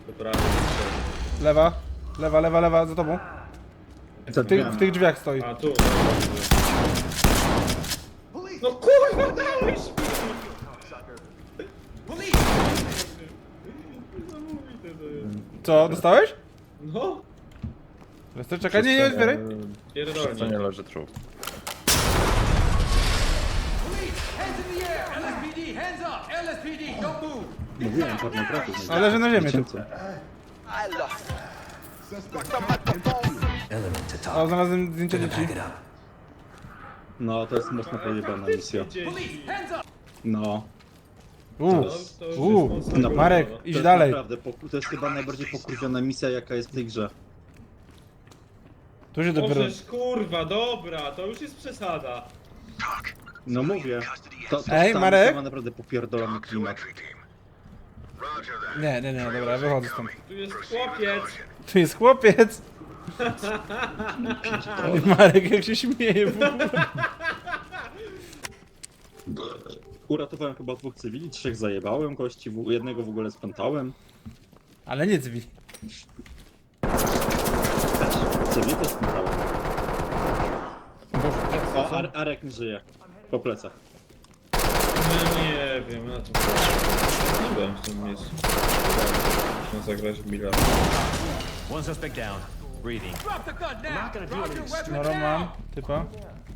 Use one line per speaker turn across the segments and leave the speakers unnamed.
To prawie.
Lewa. Lewa, lewa, lewa, za tobą. W tych drzwiach stoi.
A tu. No kurwa, dałeś mi! Niesamowite to jest.
Co, dostałeś?
No,
Lester, czekaj, nie otwieraj.
To
pierdolnie.
nie leży trup.
Hands in the air! LSPD, hands up! LSPD, don't move!
Mówiłem, pornografii.
A leży na ziemię tu. O, znalazłem zdjęcie dzieci.
No, to jest mocno pojebana misja.
Dzieci.
Hands up!
No.
To już jest mocno
Marek,
kurwa.
idź
To jest
dalej.
naprawdę, to jest chyba najbardziej pokurwiona misja, jaka jest w tej grze.
Tu się dopiero...
Możesz kurwa, dobra, to już jest przesada.
No mówię. To
Ej,
ta
Marek?
misja ma naprawdę popierdolony klimat.
Nie, dobra, wychodzę stąd.
Tu jest chłopiec.
Tu jest chłopiec! I Marek jak się śmieje w ogóle.
Uratowałem chyba 2 cywili, 3 zajebałem gości, jednego w ogóle spętałem.
Ale nie drzwi.
Cywili też spętałem. O, Arek nie żyje. Po plecach.
No nie wiem, na czym nie byłem w tym miejscu. Można zagrać w bilard.
One suspect down. Breathing.
Drop the gun now! Drop your weapon
No mam,
now!
typa.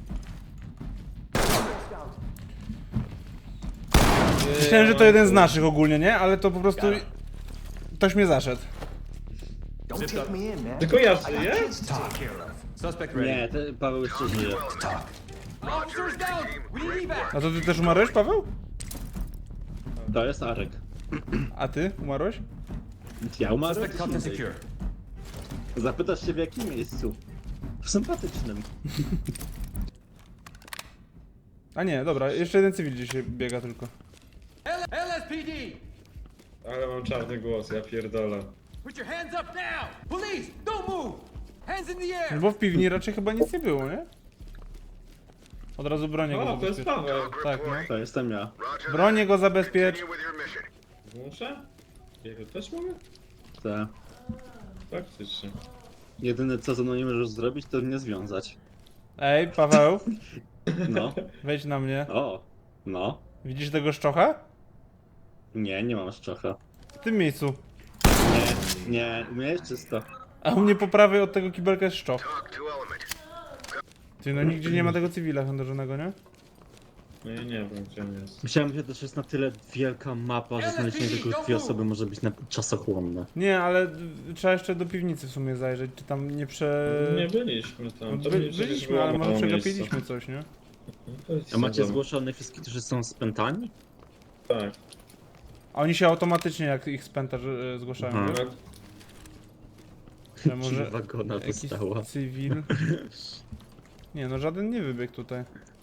Myślałem, że to jeden z naszych ogólnie, nie? Ale to po prostu... Ktoś mnie zaszedł.
Zipped up.
Tylko ja żyję?
Suspect ready.
Nie, Paweł jeszcze żyje.
Officers down! We need evac!
A to ty też umarłeś, Paweł?
To jest Arek.
A ty umarłeś?
Ja umarłem.
Suspect cuffed and secure.
Zapytasz się w jakim miejscu? W sympatycznym.
A nie, dobra, jeszcze jeden cywil dzisiaj biega tylko.
LSPD!
Ale mam czarny głos, ja pierdolę.
Put your hands up now! Police, don't move! Hands in the air!
Bo w piwni raczej chyba nic nie było, nie? Od razu bronię go
O, to jest
zabezpiecz.
Paweł.
Tak, no.
To jestem ja.
Bronię go zabezpiecz.
Muszę? Jego też mogę?
Te.
Faktycznie.
Jedyne co ze mną nie możesz zrobić, to mnie związać.
Ej, Paweł,
No.
wejdź na mnie.
O. No.
Widzisz tego szczocha?
Nie mam szczocha.
W tym miejscu.
Nie, u mnie jest czysto.
A u mnie po prawej od tego kibelka jest szczoch. Ty, no nigdzie nie ma tego cywila handlarzonego, nie?
No ja nie wiem, gdzie on jest.
Myślałem, że też jest na tyle wielka mapa, że znalezienie tylko 2 osoby może być czasochłonne.
Nie, ale trzeba jeszcze do piwnicy w sumie zajrzeć, czy tam nie
Nie byliśmy
No,
tam. To przecież
byliśmy,
było
ale może
mało
przegapiliśmy
miejsca.
coś, nie?
No to jest
A macie
sezon.
zgłoszonych wszystkich, którzy są spętani?
Tak.
A oni się automatycznie jak ich spęta zgłaszają,
Aha.
wiesz?
Tak.
Że może
Wagona
jakiś
dostała.
cywil... Nie no, żaden nie wybiegł tutaj.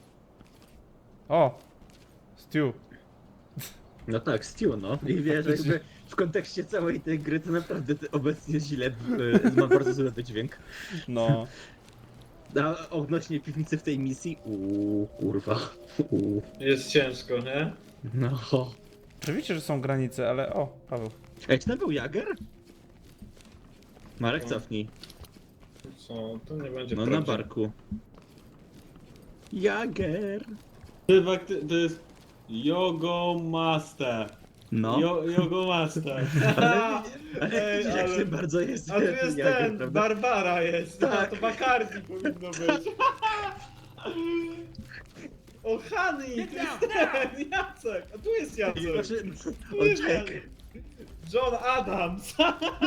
O! Stu.
No tak, Stu, no. I wiesz, jakby w kontekście całej tej gry to naprawdę obecnie źle, ma bardzo zły wydźwięk.
No.
A odnośnie piwnicy w tej misji, kurwa.
Jest ciężko, nie?
No.
Oczywiście, że są granice, ale o, Paweł.
Ej, czy tam był Jager? Marek, cofnij.
Co? To nie będzie
No na
prawdziwe.
barku. Jager!
To jest Yogo Master.
No.
Yogo Master.
Ale widzisz, jak ty bardzo jest
A tu jest
Jager,
ten,
prawda?
Barbara jest.
Tak.
Tak. To Bacardi powinno być. O, Honey, tu jest ten, Jacek. A tu jest Jacek.
Znaczy,
Tu
on
jest
czeka.
Jacek. John Adams.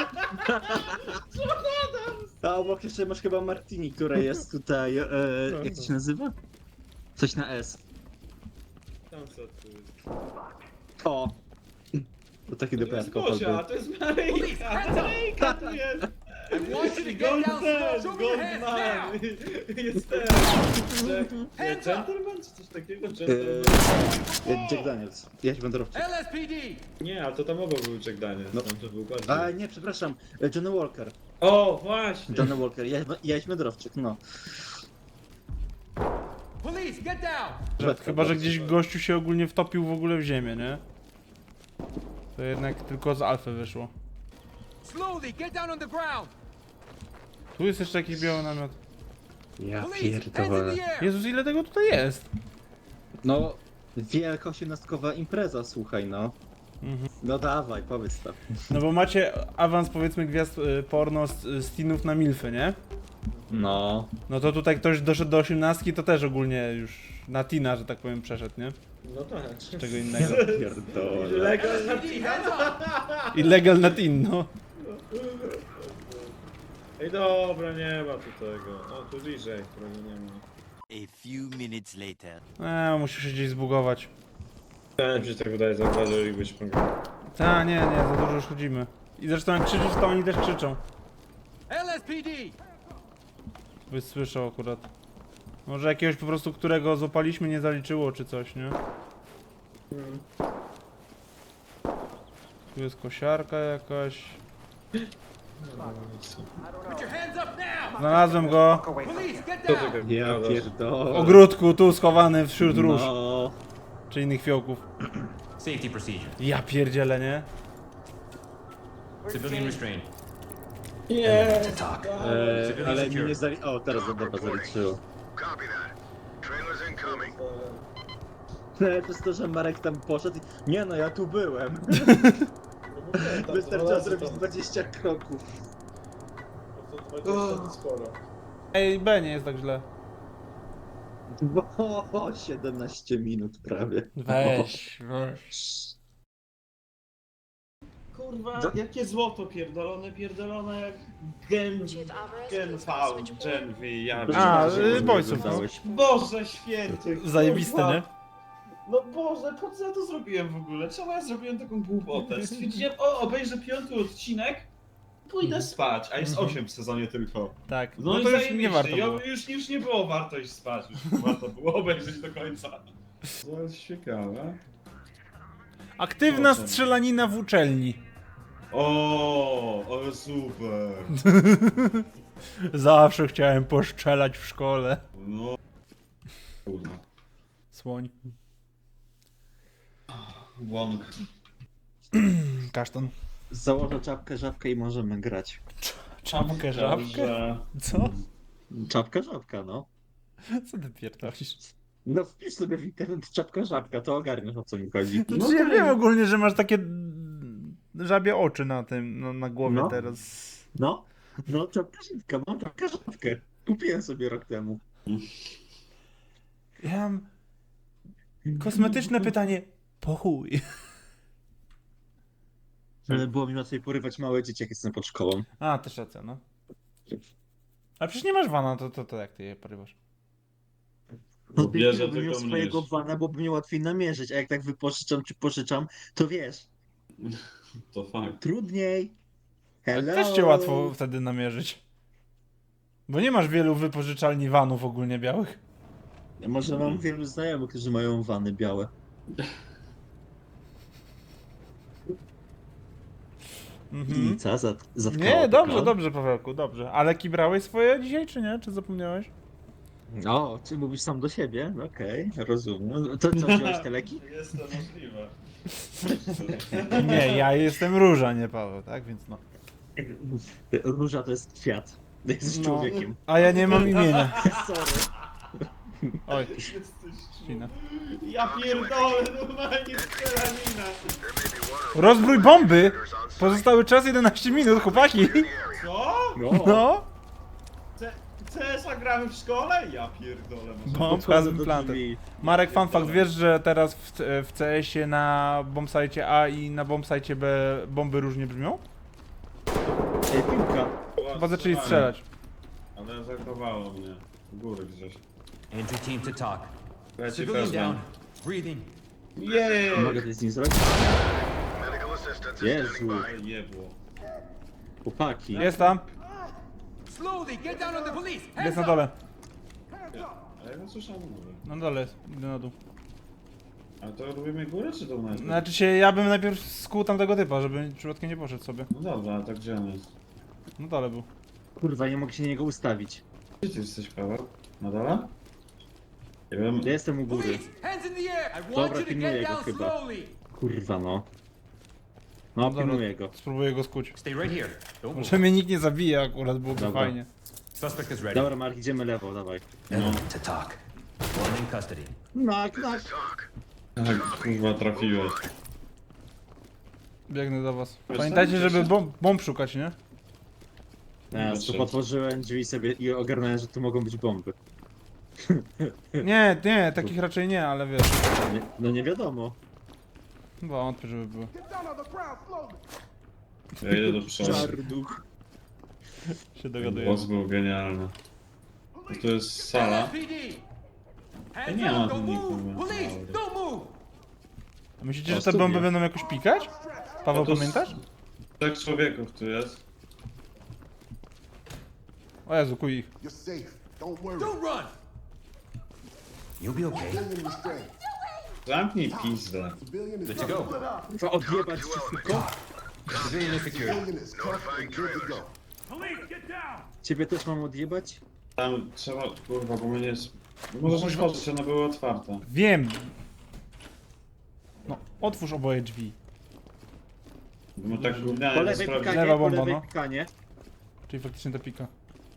A obok jeszcze masz chyba Martini, która jest tutaj, jak to się nazywa? Coś na S.
Tam co tu jest?
O! To taki
To jest
dopiero
Gosia, a to jest Maryjka. Maryjka tu jest.
I want you to get
Gold
down
ten,
slow. Show me
Gold
your hands
man.
now!
Jest ten. Gentleman czy coś takiego? Gentleman.
Jack Daniels, jaś wędrowczyk.
LSPD!
Nie, ale to tam obok był Jack Daniels.
No.
Tam to był bardziej.
A nie, przepraszam, Johnny Walker.
O, właśnie.
Johnny Walker, jaś wędrowczyk, no.
Police, get down!
Chyba, że gdzieś gościu się ogólnie wtopił w ogóle w ziemię, nie? To jednak tylko z alfy wyszło.
Slowly, get down on the ground.
Tu jest jeszcze jakiś biały namiot.
Ja
Police, hands in
pierdolę.
the air.
Jezus, ile tego tutaj jest?
No, wielka 18-kowa impreza, słuchaj, no. No dawaj, powiedz to.
No bo macie awans, powiedzmy, gwiazd porno z teenów na milfy, nie?
No.
No to tutaj ktoś doszedł do 18, to też ogólnie już na teena, że tak powiem, przeszedł, nie?
No tak.
Czego innego.
Pierdolę.
Legal na
LSPD, hands up.
Illegal na teen, no.
Ej, dobra, nie ma tu tego. No tu bliżej, którego nie ma.
A few minutes later.
Musisz się gdzieś zbugować.
Ja mi się tak wydaje, zauważylibyś program.
Ta, nie, za dużo już chodzimy. I zresztą jak krzyczysz, to oni też krzyczą.
LSPD.
Byś słyszał akurat. Może jakiegoś po prostu, którego złapaliśmy, nie zaliczyło, czy coś, nie? Tu jest kosiarka jakaś.
Put your hands up now.
Znalazłem go.
Police, get
Co
down.
ty
Ja
gadasz?
W
pierdolę.
ogródku, tu schowany wśród róż.
No.
Czy innych fiołków.
Safety procedure.
Ja pierdzielę, nie?
Civilian restraint.
Nie.
Ale mi nie O, teraz dobra, zaliczyło.
Copy that. Trailers incoming.
To jest to, że Marek tam poszedł i... Nie no, ja tu byłem. Wystarczyło zrobić 20 kroków.
Ej, B nie jest tak źle.
O, 17 minut prawie.
Weź.
Kurwa, jakie złoto pierdolone jak Gen V, Gen V, ja
A,
wiem.
Boysów.
Boże święty.
Zajebiste,
kurwa.
nie?
No Boże, po co ja to zrobiłem w ogóle? Czemu ja zrobiłem taką głupotę? Stwierdziłem, obejrzę 5. odcinek, pójdę spać, a jest 8 w sezonie tylko.
Tak.
No,
No
i
to już
zajebiście.
nie warto było.
Już nie było warto iść spać, już warto było obejrzeć do końca. To jest ciekawe.
Aktywna strzelanina w uczelni.
Ale super.
Zawsze chciałem poszczelać w szkole.
No. Kurwa.
Słoń.
Łąk.
Kasztan.
Założę czapkę, żabkę i możemy grać.
Czapkę, żabkę?
Dobrze.
Co?
Czapka, żabka, no.
Co ty pierdolisz?
No wpisz sobie w internet czapka, żabka, to ogarniesz, o co mi chodzi.
No, ja wiem ogólnie, że masz takie żabie oczy na tym, na głowie
No.
teraz.
No czapka, żabka, mam czapkę, żabkę. Kupiłem sobie rok temu.
Ja mam kosmetyczne pytanie. Po chuj.
Ale było mi łatwiej porywać małe dzieci, jak jestem pod szkołą.
A, też racja, no. Ale przecież nie masz wana, to jak ty je porywasz?
No
bierze,
bym miał
tylko
swojego
mniejszy.
wana, bo by mnie łatwiej namierzyć, a jak tak wypożyczam czy pożyczam, to wiesz,
To fakt.
trudniej. Hello.
Też cię łatwo wtedy namierzyć. Bo nie masz wielu wypożyczalni vanów ogólnie białych.
Może mam wielu znajomych, którzy mają wany białe.
Mhm.
I co? Zatkała
Nie, dobrze,
taka?
dobrze, Pawełku, dobrze. Ale kibrałeś swoje dzisiaj, czy nie? Czy zapomniałeś?
O, czy mówisz sam do siebie? Okej, rozumiem. To co, wziąłeś te leki?
Jest to możliwe.
Nie, ja jestem Róża, nie Paweł, tak? Więc no.
Róża to jest kwiat. Jesteś człowiekiem.
A ja nie mam imienia.
Sorry.
Oj, ścina.
Ja pierdolę, normalnie strzelanina.
Rozbrój bomby! Pozostały czas 11 minut, chłopaki!
Co?
No!
CS-a gramy w szkole? Ja pierdolę.
Bomb has
Podchodzę
been
do
planted.
drzwi.
Marek, fun fact, wiesz, że teraz w CS-ie na bombsite A i na bombsite B bomby różnie brzmią?
Ej, piłka.
Chyba zaczęli strzelać.
Ale zachowało mnie. W góry gdzieś.
Entry team to talk.
Ja ci
Civilian
wezmę.
down. Breathing.
Jej!
Mogę coś z nim zrobić?
Medical assistance is
Jezu,
standing by.
Ej, jebło.
chłopaki.
Jest tam,
Slowly, get down on the police. Hands
jest na
up.
dole.
Ale ja nie słyszałem góry.
Na dole jest, idę na dół.
Ale to robimy górę czy dół najpierw?
Znaczy się, ja bym najpierw skuł tamtego typa, żeby przypadkiem nie poszedł sobie.
No dobra, ale tak gdzie on jest?
Na dole był.
Kurwa, nie mogę się na niego ustawić.
Gdzie ty jesteś, Paweł? Na dole? Nie wiem.
Ja jestem u góry.
Police, hands in the air. I want
Dobra,
you to
pilnuję
get
go
down
chyba.
slowly.
Kurwa no. No,
Dobra.
pilnuję go.
Spróbuję go skuć.
Stay right here. Don't move.
Może mnie nikt nie zabije akurat, byłoby
Dobra.
fajnie.
Suspect is ready.
Dobra, Mark, idziemy lewo, dawaj.
Element to talk. One in custody.
Knock,
This
knock.
is talk.
Tak, kurwa, trafiłeś.
Biegnę do was.
Wiesz,
Pamiętajcie,
tam
żeby
gdzieś-
bomb szukać, nie?
Ja tu otworzyłem drzwi sobie i ogarnąłem, że tu mogą być bomby.
Nie, nie, takich raczej nie, ale wiesz.
Nie, no nie wiadomo.
Wątpię, żeby było.
Ja idę do przodu.
Czarnuch.
Się dogaduję.
Głos był genialny. To jest sala.
LSPD! Hands
nie ma
up!
tu
Don't
nikogo.
move! Police! Don't move!
A myślicie,
O,
że te
studia.
bomby będą jakoś pikać? Paweł,
to
pamiętasz?
3 człowieków tu jest.
O Jezu, kuj ich.
You're safe. Don't worry.
Don't run!
You'll be okay.
Civilian restraint.
Zamknij pizdę.
Civilian is
Good to go.
Trzeba odjebać ci tylko.
Civilian is secured.
Civilian is tough and good to go.
Ciebie też mam odjebać?
Tam trzeba, kurwa, bo mnie nie jest... Możesz już chodzić, one były otwarte.
Wiem. No, otwórz oboje drzwi.
Bo my tak
Po
gównianie nie
lewej
sprawdzili.
pikanie,
Lewa
po
bomba,
lewej
no.
pikanie.
Czyli faktycznie to pika.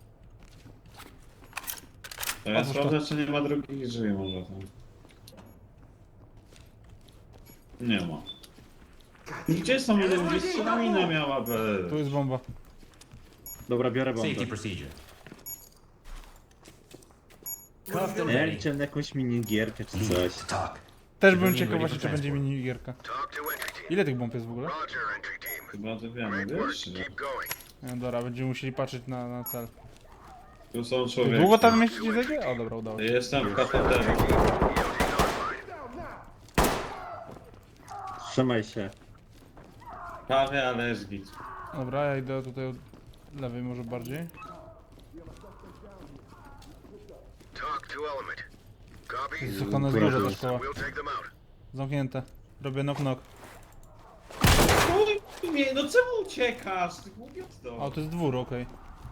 To ja
Otwórz to.
sprawdzę, czy nie ma drugich drzwi może tam. Nie ma. Gdzie są jeden? Gdzie strzelanina miała być?
Tu jest bomba.
Dobra, biorę bombę.
Safety procedure. Cuffed and
Ja
ready.
liczę na jakąś minigierkę czy
Lead
coś.
to talk.
Też byłem
Civilian
ciekaw
ready
właśnie,
for
czy będzie
transport.
minigierka.
Talk to entry team.
Ile tych bomb jest w ogóle?
Roger, entry team.
Chyba to wiemy,
Great work.
wiesz? Że
Keep going.
No dobra, będziemy musieli patrzeć na cel.
tu są człowieki.
Długo tam mieścić zejdzie? O dobra, udało się.
Jestem w katedrze.
Trzymaj się.
Prawie, ale jest git.
Dobra, ja idę tutaj od lewej może bardziej.
Talk to element. Copy.
Jest ona jest duża ta szkoła.
We'll take them out.
Zamknięte. Robię knock-knock.
Nie, no czemu uciekasz? Ty głupiosto.
A, to jest dwór, okej.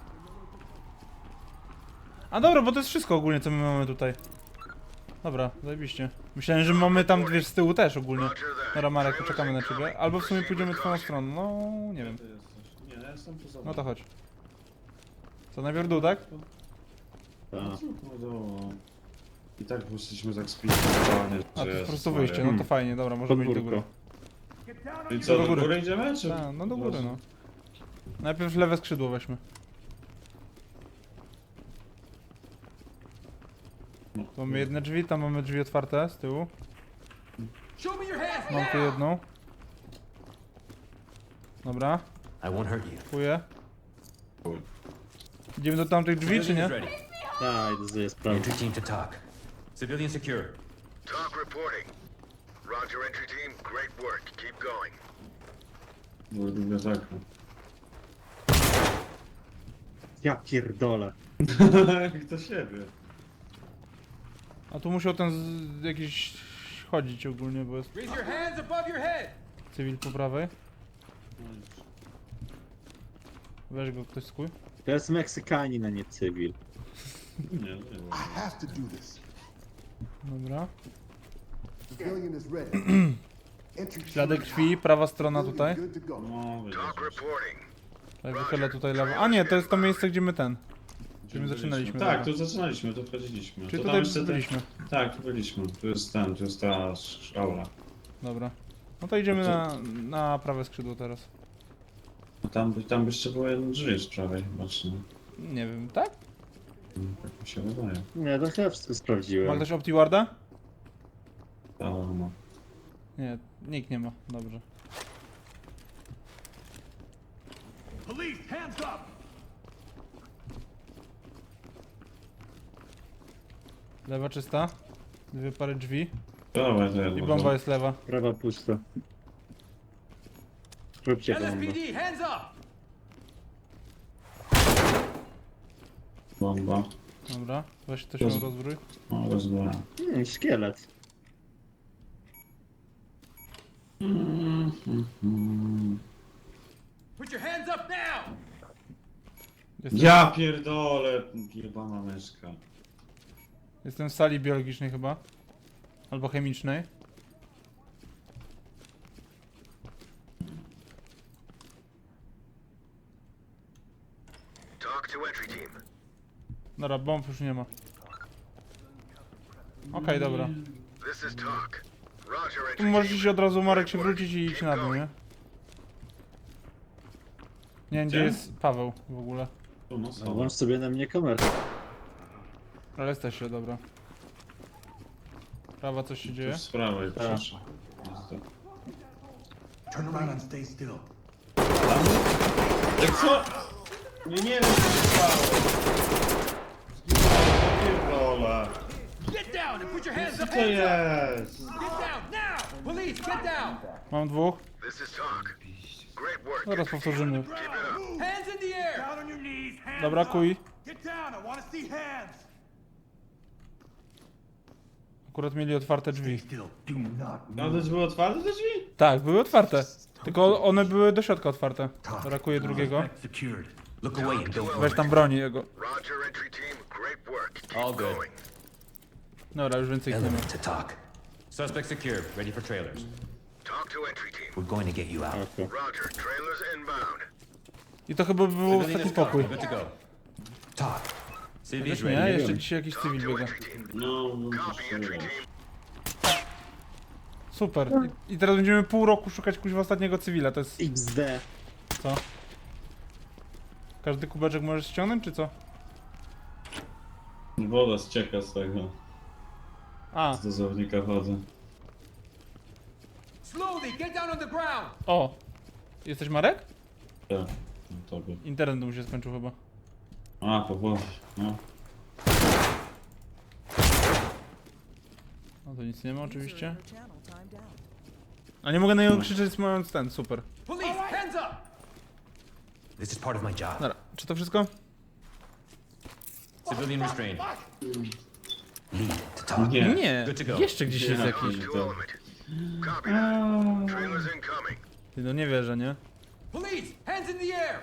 A dobra, bo to jest wszystko ogólnie, co my mamy tutaj. Dobra, zajebiście. Myślałem, że mamy tam dwie z tyłu też ogólnie.
Roger that.
Dobra, Marek, poczekamy na ciebie. Albo w sumie pójdziemy twoją stroną, no nie wiem.
Ty jesteś. Nie, ja jestem tu za
No to chodź. Co, najpierw dół, tak?
Tak.
No dobra. I tak jesteśmy tak spiliwani,
A, to jest po prostu wyjście, no to fajnie, dobra, możemy iść do góry.
I co,
Do
do
góry.
góry idziemy, czy?
Tak, no do góry, no. Najpierw lewe skrzydło weźmy. Tu mamy jedne drzwi, tam mamy drzwi otwarte z tyłu.
Show me your hands
Mam tu
now!
jedną. Dobra,
I won't hurt you.
kupuję. Idziemy do tamtych drzwi, czy
Civilian
nie?
is ready.
Tak, idę sobie sprawdzić.
Entry team to talk. Civilian secure.
Talk reporting. Roger, entry team. Great work. Keep going.
Były biblioteka.
Ja pierdolę.
Jak to siebie.
A tu musiał ten jakiś chodzić ogólnie, bo jest
Raise your hands above your head!
cywil po prawej. Weź go ktoś skuj.
To jest Meksykanin, a nie cywil.
Nie, nie było.
I have to do this.
Dobra.
Civilian is ready. Entry team
Ślady
is
krwi, prawa strona tutaj.
good to go.
No, widzisz.
Talk reporting.
Tak, wychylę tutaj lewo. A nie, to jest to miejsce, gdzie my ten. Gdzie my zaczynaliśmy.
Tak,
dobra.
tu zaczynaliśmy, tu wchodziliśmy.
Czyli
To
tutaj
jeszcze te-
byliśmy.
Tak, tu byliśmy. Tu jest ten, tu jest ta szkoła.
Dobra. No to idziemy na prawe skrzydło teraz.
No tam by jeszcze było jedno drzwi z prawej chyba, czy nie?
Nie wiem, tak?
Tak mi się wydaje.
Nie, to chyba wszystko
Ma
sprawdziłem.
ktoś OptiWarda?
Ale no.
Nie, nikt nie ma. Dobrze.
Police, hands up!
Lewa czysta. Dwie pary drzwi.
Dawaj, to ja
I bomba jest lewa.
Prawa pusta. Róbcie bombę.
LSPD, hands up!
Bomba.
Dobra. Weź ktoś ją rozbrój.
O, rozbyłem.
Szkielet.
Put your hands up now!
Ja pierdolę, jebana myszka.
Jestem w sali biologicznej chyba. Albo chemicznej.
Talk to entry team.
Dobra, bomb już nie ma. Okej, dobra.
This is talk. Roger,
Tu
entry
możecie
team.
się od razu, Marek, się wrócić i iść na dół, nie? Nie wiem, gdzie
Gdzie?
jest Paweł w ogóle.
Tu, no,
No,
są.
włącz sobie na mnie kamerę.
Ale jesteście, dobra. Prawa, coś się dzieje?
Tu z prawej,
Tak.
proszę.
Turn around and stay still.
Jak co? Nie wiem co się stało. Pierdolę.
Get down and put your hands
Co
up.
to jest?
Get down now. Police, get down.
Mam dwóch.
This is talk. Great work.
Zaraz powtórzymy.
Keep it up.
Hands in the air.
Down on your knees, hands
Dobra,
up.
kuj.
Get down, I want to see hands.
Akurat mieli otwarte drzwi.
Still, do not
No
move.
to były otwarte te drzwi?
Tak, były otwarte. Tylko one były do środka otwarte. Brakuje drugiego.
Secured.
Look away and don't
Weź tam broni jego.
Roger, entry team. Great work. Keep
All good.
going.
Dobra, już więcej ich nie ma.
Element to talk. Suspect secured. Ready for trailers.
Talk to entry team.
We're going to get you out.
Roger, trailers inbound.
I to chyba był
Civilian
ostatni
is gone.
pokój.
Good to go. Talk. Civilian is
Chociaż nie,
ready.
jeszcze dzisiaj jakiś
Talk
cywil
to
biega.
entry team.
No,
Copy, entry team.
Super. I teraz będziemy pół roku szukać kuźwa ostatniego cywila, to jest...
XD.
co? Każdy kubeczek możesz ściągnąć, czy co?
woda ścieka z tego.
A,
Z dozownika wody.
Slowly, get down on the ground.
o! Jesteś Marek?
Tak, no tobie.
Internet mu się skończył chyba.
A, po głowie, no.
No to nic nie ma oczywiście. A nie mogę na niego krzyczeć mając ten, super.
Police, hands up.
This is part of my job.
Dobra, czy to wszystko?
Civilian restrained. Lead to talk.
Nie.
Nie,
Good to go.
jeszcze gdzieś jest
Nie.
jakiś.
To element. Copy that. Trailers incoming.
Ty, no nie wierzę, nie?
Police, hands in the air.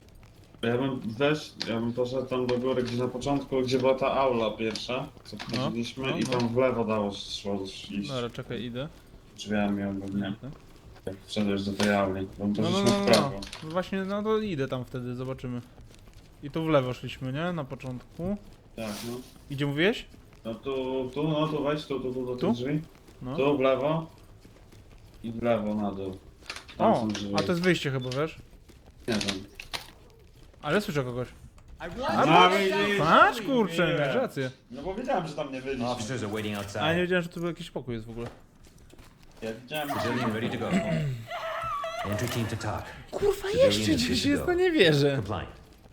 Ja bym poszedł tam do góry, gdzie na początku, gdzie była ta aula pierwsza, co wchodziliśmy,
no,
i
no.
tam w lewo dało się iść
Dobra, czekaj, idę.
drzwiami ogólnie. Jak wszedłeś do tej auli, bo
No,
poszliśmy
no,
w
no,
prawo.
no. No właśnie, no to idę tam wtedy, zobaczymy. I tu w lewo szliśmy, nie? Na początku.
Tak, no.
I gdzie mówiłeś?
No tu wejdź, tu do
Tu?
tych drzwi.
No.
Tu w lewo i w lewo na dół. Tam
O,
są drzwi.
a to jest wyjście chyba, wiesz?
Nie wiem.
Ale słyszę kogoś.
I want
A,
you.
widzisz?
Patrz, kurczę,
Nie.
miałeś rację.
No bo wiedziałem, że tam nie byliśmy.
Officers are waiting
A ja nie
outside.
wiedziałem, że tu był jakiś pokój jest w ogóle.
Ja widziałem,
Civilian ready to go. Entry team to talk.
Kurwa,
Civilian
jeszcze
is
gdzieś
good
jest,
to
no
go.
nie wierzę.
Compliant.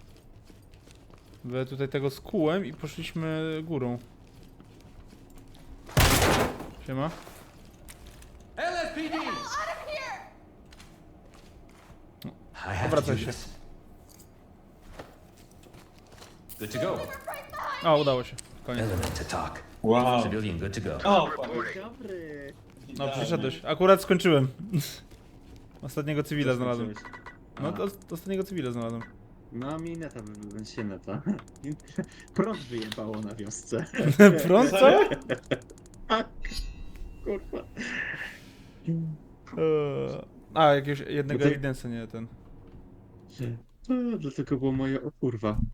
Bo ja tutaj tego skułem i poszliśmy górą. Siema.
LSPD.
I have to
Obracaj
do
się.
this. Good to go.
O, udało się. Koniec.
Element to talk.
wow.
Civilian good to go.
O,
Dobry.
No, przyszedłeś. Akurat skończyłem. Ostatniego cywila znalazłem. No, to ostatniego cywila znalazłem.
No mi neta, się neta. Prąd wyjebało na wiosce.
Prąd, co?
Serio?
Kurwa.
A, jakiegoś jednego
No to-
evidence'a, nie ten.
Dlatego było moje o kurwa.